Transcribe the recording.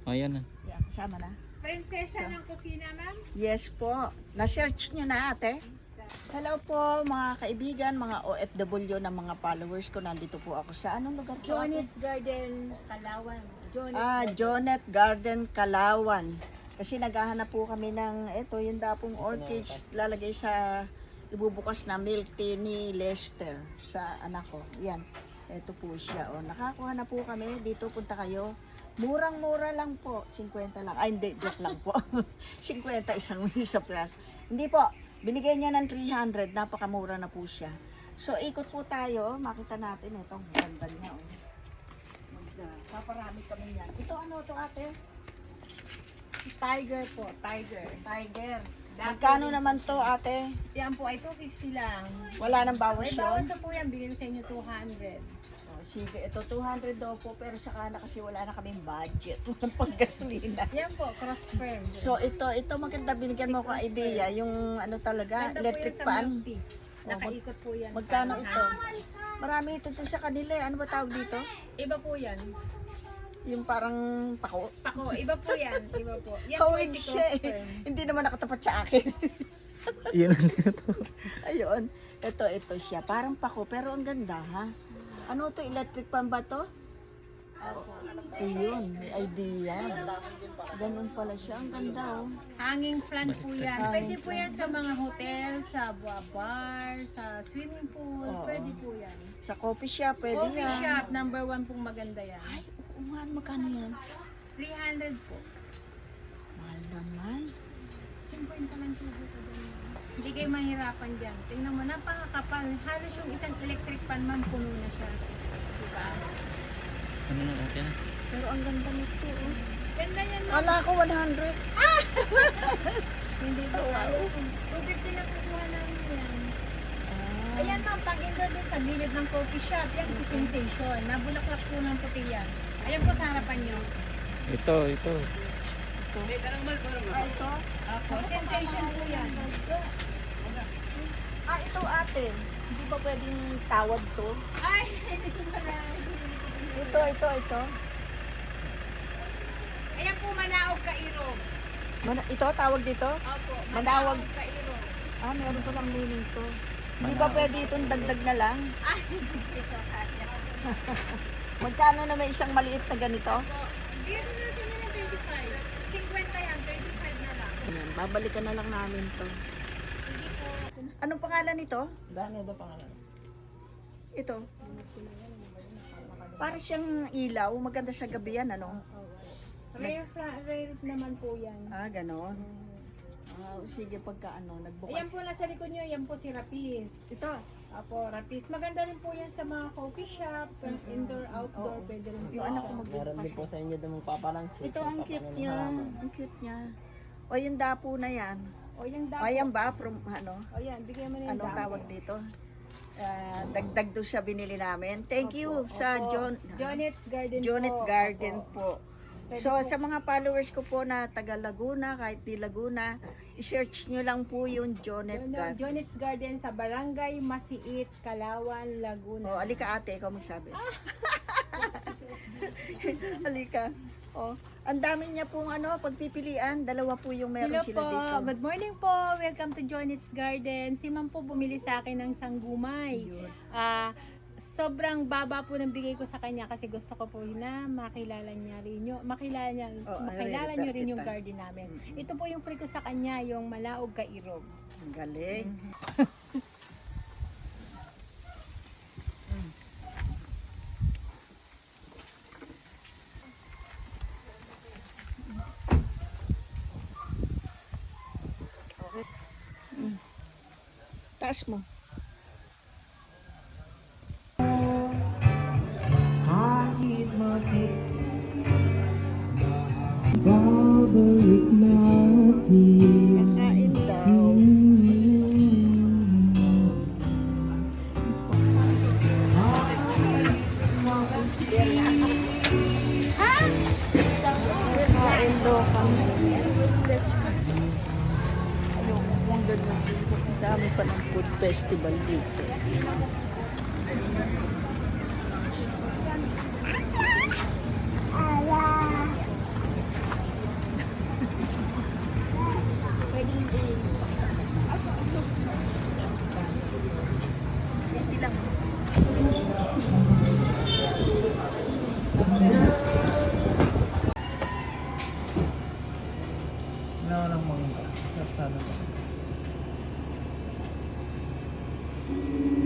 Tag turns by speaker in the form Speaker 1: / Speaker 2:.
Speaker 1: Ayan na.
Speaker 2: Yeah, kasama na.
Speaker 3: Prinsesa ng kusina, ma'am?
Speaker 2: Yes po. Na-search nyo na ate. Hello po mga kaibigan, mga OFW na mga followers ko. Nandito po ako sa anong lugar po?
Speaker 3: Jonet's Garden, Kalawan.
Speaker 2: Jonet Garden, Kalawan. Kasi naghahanap po kami ng ito, yung dapong orchids lalagay sa ibubukas na milk tea ni Lester sa anak ko. Yan. Ito po siya. O, nakakuha na po kami. Dito punta kayo. Murang-mura lang po. 50 lang. Ay, hindi. Joke lang po. 50 isang isa plus. Hindi po. Binigay niya ng 300. Napakamura na po siya. So, ikot po tayo. Makita natin itong ganda niya. Oh. Paparami kami yan. Ito ano to ate?
Speaker 3: Tiger po, tiger.
Speaker 2: Tiger. Magkano naman to ate?
Speaker 3: Yan po ay 250 lang.
Speaker 2: Wala nang bawas
Speaker 3: May
Speaker 2: yun?
Speaker 3: bawas na po yan, bigyan ko sa inyo 200.
Speaker 2: Oh, sige, ito 200 daw po. Pero saka na kasi wala na kaming budget. Walang panggasolina.
Speaker 3: Yan po, cross firm.
Speaker 2: So ito maganda, binigyan mo ko idea, yung ano talaga,
Speaker 3: Ganda
Speaker 2: electric
Speaker 3: po yan sa
Speaker 2: fan.
Speaker 3: milk tea. Nakaikot po yan.
Speaker 2: Magkano
Speaker 3: Parang
Speaker 2: ito? Marami ito sa kanila eh. Ano ba tawag dito?
Speaker 3: Iba po yan.
Speaker 2: Yung parang pako.
Speaker 3: Pako, iba po yan. Iba po. Yan po
Speaker 2: Hawig
Speaker 3: si
Speaker 2: siya
Speaker 3: cross
Speaker 2: eh.
Speaker 3: firm.
Speaker 2: Hindi naman nakatapat sa akin.
Speaker 1: Iyan na dito.
Speaker 2: Ayun. Ito siya. Parang pako pero ang ganda ha. Ano to? Electric fan ba to?
Speaker 3: Opo.
Speaker 2: Ayun. May idea. Ganun pala siya. Ang ganda oh.
Speaker 3: Hanging plant po yan.
Speaker 2: Hanging
Speaker 3: Pwede po yan sa mga hotel, sa bar, sa swimming pool.
Speaker 2: Oo.
Speaker 3: Pwede po yan.
Speaker 2: Sa coffee shop, pwede
Speaker 3: Coffee
Speaker 2: yan.
Speaker 3: shop, number 1 pong maganda yan.
Speaker 2: Ay, oo nga. Magkano yan?
Speaker 3: 300 po.
Speaker 2: Mahal naman.
Speaker 3: 50 lang tubo ko dyan. Hindi kayo mahirapan dyan. Tingnan mo, napakakapal. Halos yung isang electric fan man, puno na siya. Diba?
Speaker 1: Ano na, okay na.
Speaker 2: Pero ang ganda nito oh.
Speaker 3: Ganda yan, ma'am.
Speaker 2: Kala ko 100.
Speaker 3: Hindi po.
Speaker 2: Wow.
Speaker 3: 250 lang kukuha namin yan.
Speaker 2: Ah.
Speaker 3: Ayan, ma'am, pag-indoor din sa gilid ng coffee shop. Yan si Sensation. Nabulaklak po ng puti yan. Ayan po sa harapan nyo.
Speaker 1: Ito.
Speaker 2: Ito. Ah, ito?
Speaker 3: Opo, Sensation po yan.
Speaker 2: Ah, ito ate. Hindi ba pwedeng tawag to?
Speaker 3: Ay, hindi ko pala.
Speaker 2: Ito.
Speaker 3: Ayan po, Manaog Kairog.
Speaker 2: Ito, tawag dito?
Speaker 3: Opo,
Speaker 2: Manawag.
Speaker 3: Manaog Kairog.
Speaker 2: Ah, meron pa lang meaning to. Hindi ba
Speaker 1: Manawag.
Speaker 2: pwede itong dagdag na lang?
Speaker 3: Ay, ito kaya.
Speaker 2: Magkano na may isang maliit na ganito?
Speaker 3: Opo, bigyan ko na sa inyo ng 25. 50 yan, 35 na lang.
Speaker 2: Ayan, babalikan na lang namin to.
Speaker 3: Hindi po.
Speaker 2: Anong pangalan nito?
Speaker 1: Dano ba pangalan?
Speaker 2: Ito. Para siyang ilaw. Maganda sa gabi yan, ano?
Speaker 3: Rare naman po yan.
Speaker 2: Ah, ganon. Ah, sige, pagka ano,
Speaker 3: Ayan
Speaker 2: nagbukas.
Speaker 3: po nasa likod nyo, yan po si Rapis.
Speaker 2: Ito.
Speaker 3: Apo, Rapis. Maganda rin po yan sa mga coffee shop, indoor, outdoor,
Speaker 2: Oo.
Speaker 3: pwede rin po.
Speaker 2: Yung anak ko
Speaker 3: siya.
Speaker 4: Meron din po
Speaker 2: magbukas.
Speaker 4: sa inyo din magpapalansi.
Speaker 2: Ito, ang cute niya. Ang cute niya. O, yung dapo na yan.
Speaker 3: O, yung
Speaker 2: O,
Speaker 3: dapo.
Speaker 2: yan ba? From, ano?
Speaker 3: O, yan, bigyan mo na yung
Speaker 2: Anong
Speaker 3: dapo.
Speaker 2: tawag dito? Dagdag doon siya binili namin. Thank you sa
Speaker 3: Opo. Jonet's Garden
Speaker 2: Jonet
Speaker 3: po.
Speaker 2: Garden
Speaker 3: Opo.
Speaker 2: po.
Speaker 3: Pwede
Speaker 2: So,
Speaker 3: po.
Speaker 2: sa mga followers ko po na taga Laguna, kahit di Laguna, i-search nyo lang po yung Jonet Garden.
Speaker 3: Jonet's Garden sa Barangay Masiit, Kalawan, Laguna.
Speaker 2: O, alika ate, ikaw magsabi. Alika. O, ang dami niya pong ano, pagpipilian. Dalawa po yung meron
Speaker 3: Hello
Speaker 2: sila
Speaker 3: po.
Speaker 2: dito.
Speaker 3: Good morning po. Welcome to Jonet's Garden. Si ma'am po bumili sa akin ng sanggumay.
Speaker 2: Yun.
Speaker 3: Sobrang baba po ng bigay ko sa kanya kasi gusto ko po na makilala niya rin yung makilala niyo rin yung
Speaker 2: kita.
Speaker 3: garden namin. Ito po yung free ko sa kanya, yung Manaog Kairog.
Speaker 2: Ang galing. Okay. Taas mo.
Speaker 4: Kahit mapit, babalik natin.
Speaker 2: Kakain daw. Kakain daw kami. Ayoko kung ganun dito. Ang dami pa ng food festival dito.
Speaker 1: Ano lang mangga. Sarap sana ba?